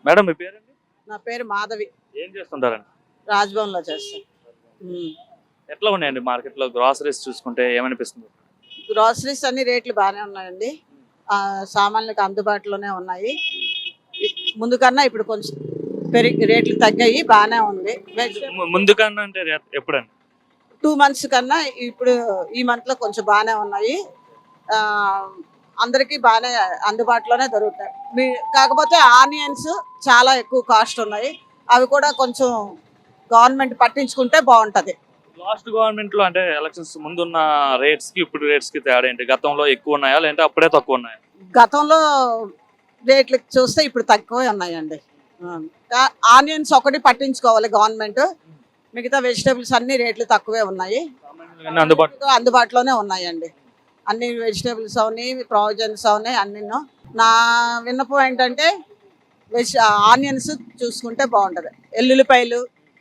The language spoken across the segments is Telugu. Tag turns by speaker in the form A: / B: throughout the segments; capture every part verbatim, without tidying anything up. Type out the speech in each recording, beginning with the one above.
A: మేడం మీ పేరండి?
B: నా పేరు మాధవి.
A: ఏం చేస్తుంటారండి?
B: రాజ్భవన్‌లో చేస్తాను. హ్మ్.
A: ఎట్లా ఉన్నాయండి మార్కెట్‌లో గ్రోసరీస్ చూసుకుంటే ఏమనిపిస్తుంది?
B: గ్రోసరీస్ అన్ని రేట్లు బాగానే ఉన్నాయండి. ఆహ్, సామాన్లకు అందుబాటులోనే ఉన్నాయి. ఇ ముందు కన్నా ఇప్పుడు కొంచెం పెరిగి రేట్లు తగ్గాయి. బాగానే ఉంది. వెజిటబుల్
A: ము ముందు కన్నా అంటే ఎ ఎప్పుడండి?
B: రెండు మంత్స్ కన్నా ఇప్పుడు ఈ మంత్‌లో కొంచెం బాగానే ఉన్నాయి. ఆహ్, అందరికీ బాగానే అందుబాటులోనే దొరుకుతాయి. మీ కాకపోతే ఆనియన్స్ చాలా ఎక్కువ కాస్ట్ ఉన్నాయి. అవి కూడా కొంచెం గవర్నమెంట్ పట్టించుకుంటే బావుంటది.
A: లాస్ట్ గవర్నమెంట్‌లో అంటే ఎలక్షన్స్ ముందున్న రేట్స్‌కి ఇప్పుడు రేట్స్‌కి తేడా ఏంటి? గతంలో ఎక్కువ ఉన్నాయా? లేదంటే అప్పుడే తక్కువ ఉన్నాయా?
B: గతంలో రేట్లు చూస్తే ఇప్పుడు తక్కువే ఉన్నాయండి. ఆ! కా ఆనియన్స్ ఒకటి పట్టించుకోవాలి గవర్నమెంట్. మిగతా వెజిటబుల్స్ అన్ని రేట్లు తక్కువే ఉన్నాయి.
A: సామాన్యులకన్నా అందుబాటులో
B: అందుబాటులోనే ఉన్నాయండి. అన్ని వెజిటబుల్స్ అవని, ప్రావిజన్స్ అవని అన్నీను. నా విన్నపం ఏంటంటే వెజ్ ఆనియన్స్ చూసుకుంటే బాగుంటది. ఎల్లుల్లిపాయలు,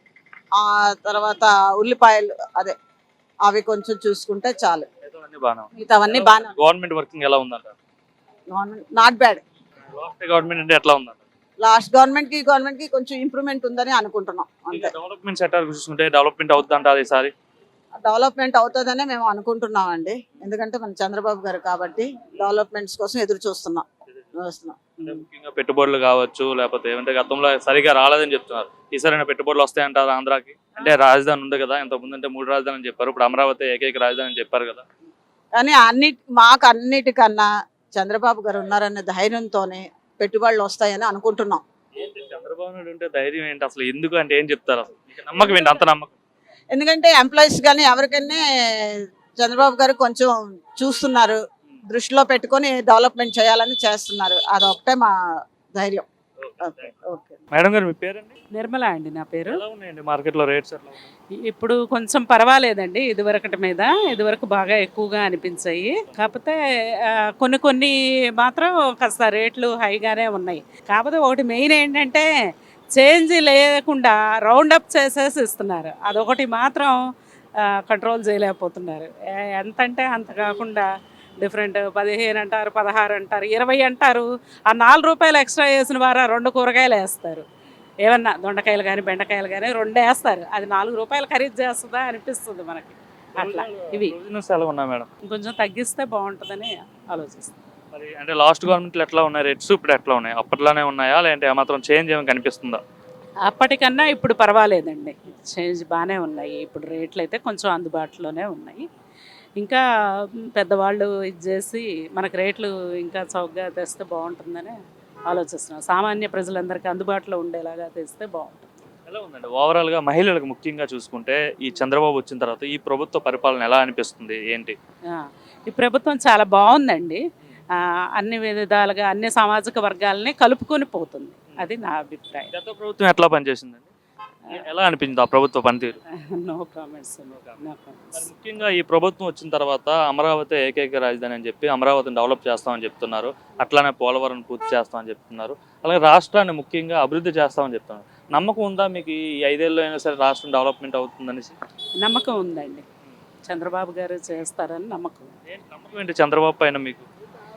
B: ఆ తర్వాత ఉల్లిపాయలు అదే అవి కొంచెం చూసుకుంటే చాలు.
A: మిగతావన్నీ బానే ఉన్నాయి.
B: మిగతావన్నీ
A: ఎలా
B: బాగానే
A: ఉంది? గవర్నమెంట్ వర్కింగ్ ఎలా ఉందంటారు?
B: Government not bad.
A: Last government అంటే ఎట్లా ఉందంటారు?
B: లాస్ట్ గవర్నమెంట్ కి గవర్నమెంట్ కి కొంచెం ఇంప్రూవ్మెంట్ ఉందని అనుకుంటున్నాం
A: ఇంకా
B: అంతే.
A: డెవలప్‌మెంట్ సెక్టార్ చూసుకుంటే డెవలప్‌మెంట్ అవుద్దంటారా ఈసారి?
B: డెవలప్మెంట్ అవుతుందనే మేము అనుకుంటున్నాం అండి. ఎందుకంటే మన చంద్రబాబు గారు కాబట్టి డెవలప్మెంట్స్ కోసం ఎదురు చూస్తున్నాం చూస్తున్నాం
A: అంటే ముఖ్యంగా పెట్టుబడులు కావచ్చు, లేకపోతే ఏమంటే గతంలో సరిగా రాలేదని చెప్తున్నారు. ఈసారైనా పెట్టుబడులు వస్తాయంటారా ఆంధ్రాకి? అంటే రాజధాని ఉంది కదా, ఇంతకుముందు అంటే మూడు రాజధానులు అని చెప్పారు. ఇప్పుడు అమరావతి ఏకైక రాజధాని అని చెప్పారు కదా.
B: కానీ అన్ని మాకు అన్నిటికన్నా చంద్రబాబు గారు ఉన్నారనే ధైర్యంతోనే పెట్టుబడులు వస్తాయని అనుకుంటున్నాం.
A: ఏంటి చంద్రబాబు నాయుడు ఉంటే ధైర్యం ఏంటి అసలు? ఎందుకు అంటే ఏం చెప్తారు అసలు? మీకు నమ్మకం ఏంటి? అంత నమ్మకం?
B: ఎందుకంటే ఎంప్లాయీస్ కానీ ఎవరికైనా చంద్రబాబు గారు కొంచెం చూస్తున్నారు, దృష్టిలో పెట్టుకొని డెవలప్మెంట్ చేయాలని చేస్తున్నారు. అదొకటే మా ధైర్యం. ఓకే ఓకే
A: మేడం గారు మీ పేరండి?
C: నిర్మల అండి నా పేరు.
A: ఎలా ఉన్నాయండి మార్కెట్లో రేట్స్ ఎట్లా ఉన్నాయి?
C: ఇ- ఇప్పుడు కొంచెం పర్వాలేదండి ఇదివరకటి మీద. ఇదివరకు బాగా ఎక్కువగా అనిపించాయి. కాకపోతే ఆ, కొన్ని కొన్ని మాత్రం కాస్త రేట్లు హైగానే ఉన్నాయి. కాకపోతే ఒకటి మెయిన్ ఏంటంటే చేంజ్ లేకుండా రౌండ్ అప్ చేసేసి ఇస్తున్నారు. అదొకటి మాత్రం కంట్రోల్ చేయలేకపోతున్నారు. ఏ- ఎంత అంటే అంత కాకుండా డిఫరెంట్ పదిహేను అంటారు, పదహారు అంటారు, ఇరవై అంటారు. ఆ నాలుగు రూపాయలు ఎక్స్ట్రా వేసిన వారా రెండు కూరగాయలు వేస్తారు. ఏమన్నా దొండకాయలు కానీ బెండకాయలు కానీ రెండు వేస్తారు. అది నాలుగు రూపాయలు ఖరీదు చేస్తుందా అనిపిస్తుంది మనకి. అట్లా ఇవి
A: ప్రొవిజన్స్ ఎలా ఉన్నాయి మేడం?
C: ఇంకొంచెం తగ్గిస్తే బాగుంటుందని ఆలోచిస్తాను.
A: మరి అంటే లాస్ట్ గవర్నమెంట్లో ఎట్లా ఉన్నాయి రేట్స్, ఇప్పుడు ఎట్లా ఉన్నాయి? అప్పట్లోనే ఉన్నాయా, లేదంటే ఏమాత్రం చేంజ్ ఏమైనా కనిపిస్తుందా?
C: అప్పటికన్నా ఇప్పుడు పర్వాలేదండి, చేంజ్ బాగానే ఉన్నాయి. ఇప్పుడు రేట్లు అయితే కొంచెం అందుబాటులోనే ఉన్నాయి. ఇంకా పెద్దవాళ్ళు ఇది చేసి మనకు రేట్లు ఇంకా చౌకగా తెస్తే బాగుంటుందని ఆలోచిస్తున్నాం. సామాన్య ప్రజలందరికీ అందుబాటులో ఉండేలాగా తెస్తే బాగుంటుంది.
A: ఎలా ఉందండి ఓవరాల్గా మహిళలకు ముఖ్యంగా చూసుకుంటే ఈ చంద్రబాబు వచ్చిన తర్వాత ఈ ప్రభుత్వ పరిపాలన ఎలా అనిపిస్తుంది ఏంటి?
C: ఆ, ఈ ప్రభుత్వం చాలా బాగుందండి. ఆ, అన్ని విధాలుగా అన్ని సామాజిక వర్గాలని కలుపుకొని పోతుంది. అది నా అభిప్రాయం.
A: గత ప్రభుత్వం ఎట్లా పనిచేసిందండి? ఎలా అనిపించింది ఆ ప్రభుత్వ పనితీరు?
C: No comments. నో
A: మరి
C: కామెంట్స్.
A: ముఖ్యంగా ఈ ప్రభుత్వం వచ్చిన తర్వాత అమరావతి ఏకైక రాజధాని అని చెప్పి అమరావతిని డెవలప్ చేస్తామని చెప్తున్నారు. అట్లానే పోలవరం పూర్తి చేస్తామని చెప్తున్నారు. అలాగే రాష్ట్రాన్ని ముఖ్యంగా అభివృద్ధి చేస్తామని చెప్తున్నారు. నమ్మకం ఉందా మీకు ఈ ఐదేళ్ళు అయినా సరే రాష్ట్రం డెవలప్మెంట్ అవుతుందనేసి?
C: నమ్మకం ఉందండి, చంద్రబాబు గారు చేస్తారని నమ్మకం.
A: ఏంటి నమ్మకం ఏంటి చంద్రబాబు పైన మీకు?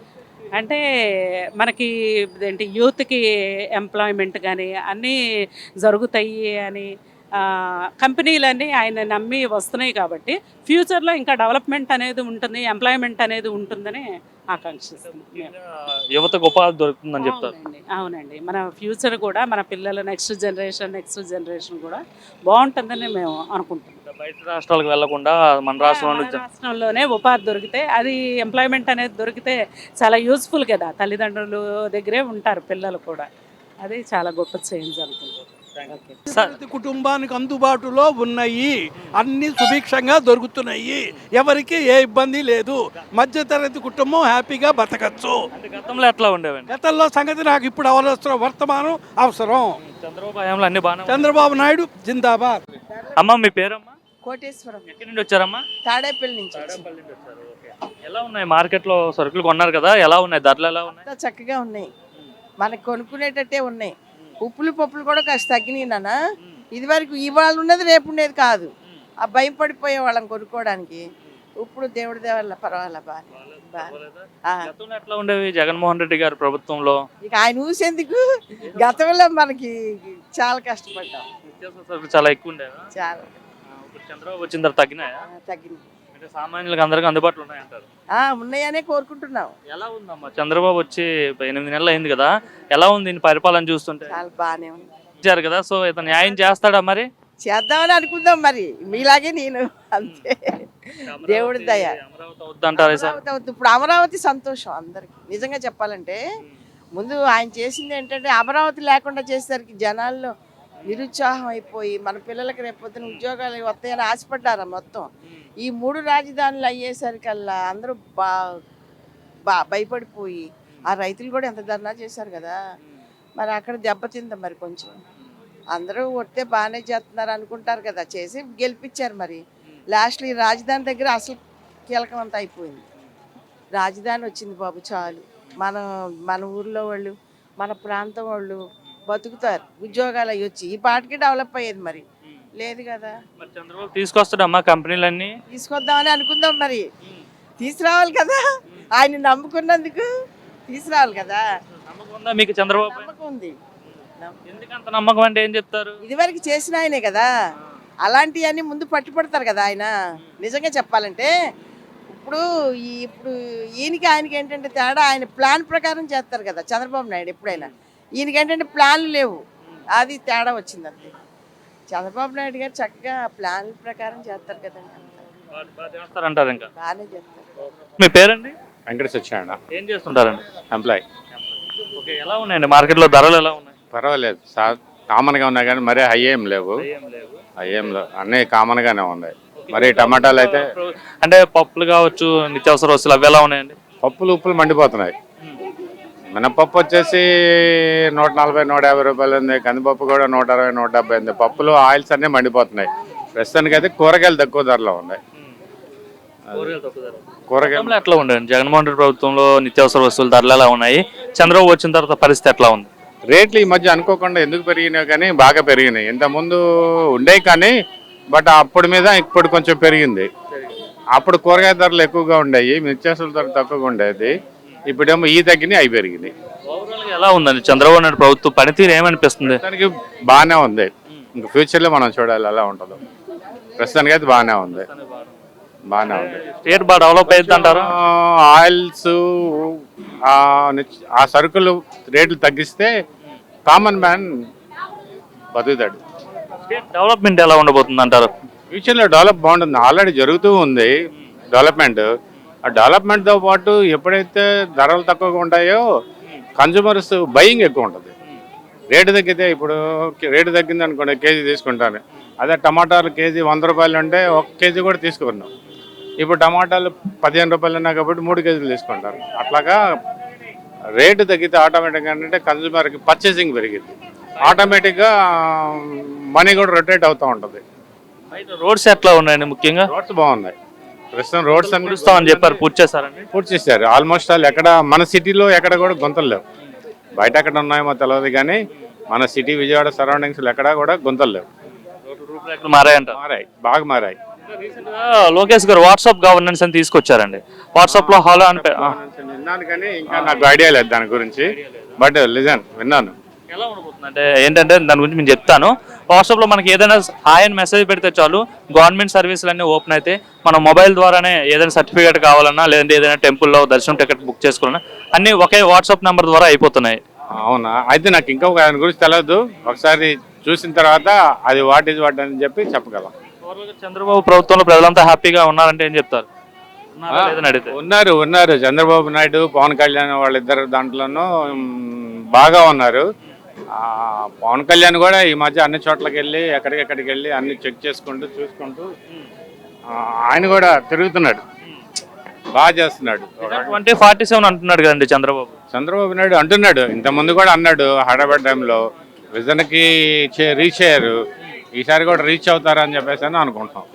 C: అంటే మనకి ఏంటి యూత్కి ఎంప్లాయ్మెంట్ కానీ అన్నీ జరుగుతాయి అని ఆ, కంపెనీలన్నీ ఆయన నమ్మి వస్తున్నాయి కాబట్టి ఫ్యూచర్లో ఇంకా డెవలప్మెంట్ అనేది ఉంటుంది, ఎంప్లాయ్మెంట్ అనేది ఉంటుందని ఆకాంక్షిస్తున్నాం.
A: ముఖ్యంగా యువతకు ఉపాధి దొరుకుతుందని చెప్తారు.
C: అవునండి అవునండి మన ఫ్యూచర్ కూడా మన పిల్లల నెక్స్ట్ జనరేషన్ నెక్స్ట్ జనరేషన్ కూడా బాగుంటుందని మేము అనుకుంటున్నాం.
A: బయట రాష్ట్రాలకు వెళ్లకుండా మన రాష్ట్రంలో
C: మన రాష్ట్రంలోనే ఉపాధి దొరికితే, అది ఎంప్లాయ్మెంట్ అనేది దొరికితే చాలా యూస్ఫుల్ కదా. తల్లిదండ్రులు దగ్గరే ఉంటారు పిల్లలు కూడా. అది చాలా గొప్ప చేంజ్ అనుకుంటున్నాను. ఓకే.
D: ప్రతి కుటుంబానికి అందుబాటులో ఉన్నాయి, అన్ని సుభిక్షంగా దొరుకుతున్నాయి, ఎవరికి ఏ ఇబ్బంది లేదు, మధ్యతరగతి కుటుంబం హ్యాపీగా బతకచ్చు.
A: అంటే గతంలో ఎట్లా ఉండేవండి?
D: గతంలో సంగతి నాకు ఇప్పుడు అవసరం, వర్తమానం అవసరం.
A: చంద్రబాబు హయాంలో అన్ని బాగా.
D: చంద్రబాబు నాయుడు జిందాబాద్.
A: అమ్మ మీ పేరమ్మా?
B: కోటేశ్వరం
A: ఎక్కడి నుండి వచ్చారమ్మా?
B: తాడేపల్లి నుంచి
A: తాడేపల్లి నుండి వచ్చారు. ఓకే. ఎలా ఉన్నాయి మార్కెట్లో సరుకులు కొన్నారు కదా, ఎలా ఉన్నాయి ధరలు ఎలా ఉన్నాయి?
E: అంతా చక్కగా ఉన్నాయి, మనకు కొనుక్కునేటట్టే ఉన్నాయి. ఉప్పులు పప్పులు కూడా కాస్త తగ్గినాయి నాన్న. ఇది వరకు ఇవాళ ఉన్నది రేపు ఉండేది కాదు. ఆ భయం పడిపోయే వాళ్ళం కొనుక్కోవడానికి. ఇప్పుడు దేవుడి దేవల్ల పర్వాలే బాగా బాగా
A: గతంలో ఎట్లా ఉండేవి జగన్మోహన్ రెడ్డి గారి ప్రభుత్వంలో?
E: ఇక ఆయన ఊసేందుకు గతంలో మనకి చాలా కష్టపడ్డాం,
A: నిత్యావసర సరుకులు చాలా ఎక్కువ ఉండేవా?
E: చాలా
A: ఇప్పుడు చంద్రబాబు వచ్చిన తర్వాత తగ్గినాయా?
E: ఆ, తగ్గింది.
A: అంటే సామాన్యులకు అందరికీ అందుబాటులో ఉన్నాయంటారు.
E: ఆ, ఉన్నాయనే కోరుకుంటున్నాం.
A: ఎలా ఉందమ్మా చంద్రబాబు వచ్చి ఎనిమిది నెలలు అయింది కదా, ఎలా ఉంది ఈయన పరిపాలన చూస్తుంటే?
E: చాలా బాగానే ఉంది.
A: ఇచ్చారు కదా, సో ఇతను న్యాయం చేస్తాడా మరి?
E: చేద్దామని అనుకుందాం మరి, మీలాగే నేను అంతే. దేవుడి దయ.
A: అమరావతి వద్దంటారా సార్?
E: అమరావతి అవుతుంది. ఇప్పుడు అమరావతి సంతోషం అందరికి. నిజంగా చెప్పాలంటే ముందు ఆయన చేసింది ఏంటంటే అమరావతి లేకుండా చేసేసరికి జనాల్లో నిరుత్సాహం అయిపోయి మన పిల్లలకి రేపొద్దున ఉద్యోగాలు వస్తాయని ఆశపడ్డారా మొత్తం. ఈ మూడు రాజధానులు అయ్యేసరికల్లా అందరూ బా బా భయపడిపోయి ఆ రైతులు కూడా ఎంత ధర్నా చేశారు కదా, మరి అక్కడ దెబ్బతిందా మరి కొంచెం. అందరూ వస్తే బాగానే చేస్తున్నారు అనుకుంటారు కదా, చేసి గెలిపించారు. మరి లాస్ట్లో ఈ రాజధాని దగ్గర అసలు కీలకం అంతా అయిపోయింది. రాజధాని వచ్చింది బాబు చాలు, మన మన ఊర్లో వాళ్ళు మన ప్రాంతం వాళ్ళు బతుకుతారు, ఉద్యోగాలు అవి వచ్చి ఈ పాటికి డెవలప్ అయ్యేది. మరి లేదు కదా.
A: మరి చంద్రబాబు తీసుకొస్తాడమ్మా కంపెనీలన్నీ?
E: తీసుకొద్దామని అనుకుందాం, మరి తీసుకురావాలి కదా, ఆయన నమ్ముకున్నందుకు తీసుకురావాలి కదా.
A: నమ్మకం ఉందా మీకు చంద్రబాబు?
E: నమ్మకం ఉంది.
A: ఎందుకంత నమ్మకం అంటే ఏం చెప్తారు?
E: ఇదివరకు చేసిన ఆయనే కదా, అలాంటివన్నీ ముందు పట్టుపడతారు కదా ఆయన. నిజంగా చెప్పాలంటే ఇప్పుడు ఈ ఇప్పుడు ఈయనకి ఆయనకి ఏంటంటే తేడా, ఆయన ప్లాన్ ప్రకారం చేస్తారు కదా చంద్రబాబు నాయుడు ఎప్పుడైనా. ఈయనకి ఏంటంటే ప్లాన్లు లేవు, అది తేడా వచ్చింది అంతే. చంద్రబాబు నాయుడు గారు చక్కగా ప్లాన్ ప్రకారం చేస్తారు కదండి,
A: చేస్తారంటారు. ఇంకా
E: బాగానే చేస్తారు.
A: మీ పేరండి?
F: వెంకట సత్యనారాయణ.
A: ఏం చేస్తుంటారండి?
F: ఎంప్లాయ్.
A: ఓకే, ఎలా ఉన్నాయండి మార్కెట్లో ధరలు ఎలా ఉన్నాయి?
F: పర్వాలేదు సార్, కామన్గా ఉన్నాయి కానీ మరీ హై ఏం లేవు. హై ఏం లేవు, అన్నీ కామన్గానే ఉన్నాయి. మరి టమాటాలు అయితే
A: అంటే పప్పులు కావచ్చు, నిత్యావసర వస్తువులు అవి ఎలా ఉన్నాయండి?
F: పప్పులు ఉప్పులు మండిపోతున్నాయి. మినపప్పు వచ్చేసి నూట నలభై నూట యాభై రూపాయలు ఉంది, కందిపప్పు కూడా నూట అరవై నూట డెబ్బై ఉంది. పప్పులు ఆయిల్స్ అన్నీ మండిపోతున్నాయి. ప్రస్తుతానికి అయితే కూరగాయలు తక్కువ ధరలో ఉన్నాయి. కూరగాయలు
A: ఎట్లా ఉండేది జగన్మోహన్ రెడ్డి ప్రభుత్వంలో? నిత్యావసర వస్తువుల ధరలు ఎలా ఉన్నాయి? చంద్రబాబు వచ్చిన తర్వాత పరిస్థితి ఎట్లా ఉంది?
F: రేట్లు ఈ మధ్య అనుకోకుండా ఎందుకు పెరిగినాయి కానీ బాగా పెరిగినాయి. ఇంతకుముందు ఉండేవి కానీ బట్ అప్పుడు మీద ఇప్పుడు కొంచెం పెరిగింది. అప్పుడు కూరగాయ ధరలు ఎక్కువగా ఉండేవి, నిత్యావసరాల ధరలు తక్కువగా ఉండేది. ఇప్పుడేమో ఈ తగ్గినాయి, అవి పెరిగినాయి.
A: ఎలా ఉందండి చంద్రబాబు నాయుడు ప్రభుత్వం పనితీరు ఏమనిపిస్తుంది?
F: దానికి బాగానే ఉంది. ఇంకా ఫ్యూచర్లో మనం చూడాలి ఎలా ఉంటుందో. ప్రస్తుతానికి అయితే బాగానే ఉంది, బాగానే ఉంది.
A: స్టేట్ బాగా డెవలప్ అయ్యింది అంటారు.
F: ఆయిల్స్ ఆ సరుకులు రేట్లు తగ్గిస్తే కామన్ మ్యాన్ బతుకుతాడు.
A: స్టేట్ డెవలప్మెంట్ ఎలా ఉండబోతుంది అంటారు?
F: ఫ్యూచర్లో డెవలప్ బాగుంటుంది, ఆల్రెడీ జరుగుతూ ఉంది డెవలప్మెంట్. ఆ డెవలప్మెంట్తో పాటు ఎప్పుడైతే ధరలు తక్కువగా ఉంటాయో కన్జ్యూమర్స్ బయింగ్ ఎక్కువ ఉంటుంది. రేటు తగ్గితే ఇప్పుడు రేటు తగ్గింది అనుకోండి కేజీ తీసుకుంటాను, అదే టమాటాలు కేజీ వంద రూపాయలు ఉంటే ఒక కేజీ కూడా తీసుకున్నాం. ఇప్పుడు టమాటాలు పదిహేను రూపాయలు ఉన్నాయి కాబట్టి మూడు కేజీలు తీసుకుంటారు. అట్లాగా రేటు తగ్గితే ఆటోమేటిక్గా ఏంటంటే కన్జ్యూమర్కి పర్చేసింగ్ పెరిగింది, ఆటోమేటిక్గా మనీ కూడా రొటేట్ అవుతూ ఉంటుంది.
A: రోడ్స్ ఎట్లా ఉన్నాయండి? ముఖ్యంగా
F: రోడ్స్ బాగున్నాయి. ప్రస్తుతం రోడ్స్ అన్ని
A: చూస్తామని చెప్పారు, పూర్తి చేస్తారండి?
F: పూర్తి చేశారు ఆల్మోస్ట్ ఆల్. ఎక్కడ మన సిటీలో ఎక్కడ కూడా గుంతలు లేవు. బయట ఎక్కడ ఉన్నాయేమో తెలియదు కానీ మన సిటీ విజయవాడ సరౌండింగ్స్లో ఎక్కడా కూడా గుంతలు లేవు.
A: రూపురేఖలు మారాయంట?
F: మారాయి, బాగా మారాయి.
A: లోకేష్ గారు వాట్సాప్ గవర్నెన్స్ అని తీసుకొచ్చారండి. వాట్సాప్ లో హాలో అని
F: విన్నాను కానీ ఇంకా నాకు ఐడియా లేదు దాని గురించి, బట్ లిజన్ విన్నాను.
A: ఎలా ఉండబోతుంది అంటే ఏంటంటే దాని గురించి నేను చెప్తాను. వాట్సాప్ లో మనకి ఏదైనా హాయ్ అని మెసేజ్ పెడితే చాలు, గవర్నమెంట్ సర్వీసులు అన్నీ ఓపెన్ అయితే మన మొబైల్ ద్వారానే ఏదైనా సర్టిఫికేట్ కావాలన్నా లేదంటే ఏదైనా టెంపుల్లో దర్శనం టికెట్ బుక్ చేసుకోవాలన్నా అన్ని ఒకే వాట్సాప్ నెంబర్ ద్వారా అయిపోతున్నాయి.
F: అవునా? అయితే నాకు ఇంకా దాని గురించి తెలియదు, ఒకసారి చూసిన తర్వాత అది వాట్ ఈజ్ వాట్ అని చెప్పి చెప్పగలం.
A: చంద్రబాబు ప్రభుత్వంలో ప్రజలంతా హ్యాపీగా ఉన్నారంటే ఏం చెప్తారు?
F: ఉన్నారు ఉన్నారు చంద్రబాబు నాయుడు పవన్ కళ్యాణ్ వాళ్ళిద్దరు దాంట్లోనూ బాగా ఉన్నారు. పవన్ కళ్యాణ్ కూడా ఈ మధ్య అన్ని చోట్లకి వెళ్ళి ఎక్కడికెక్కడికి వెళ్ళి అన్ని చెక్ చేసుకుంటూ చూసుకుంటూ ఆయన కూడా తిరుగుతున్నాడు, బాగా చేస్తున్నాడు.
A: ట్వంటీ ఫార్టీ సెవెన్ అంటున్నాడు కదండి చంద్రబాబు.
F: చంద్రబాబు నాయుడు అంటున్నాడు, ఇంతకుముందు కూడా అన్నాడు హైదరాబాద్ టైంలో విజన్కి రీచ్ అయ్యారు, ఈసారి కూడా రీచ్ అవుతారని చెప్పేసి అని అనుకుంటున్నాం.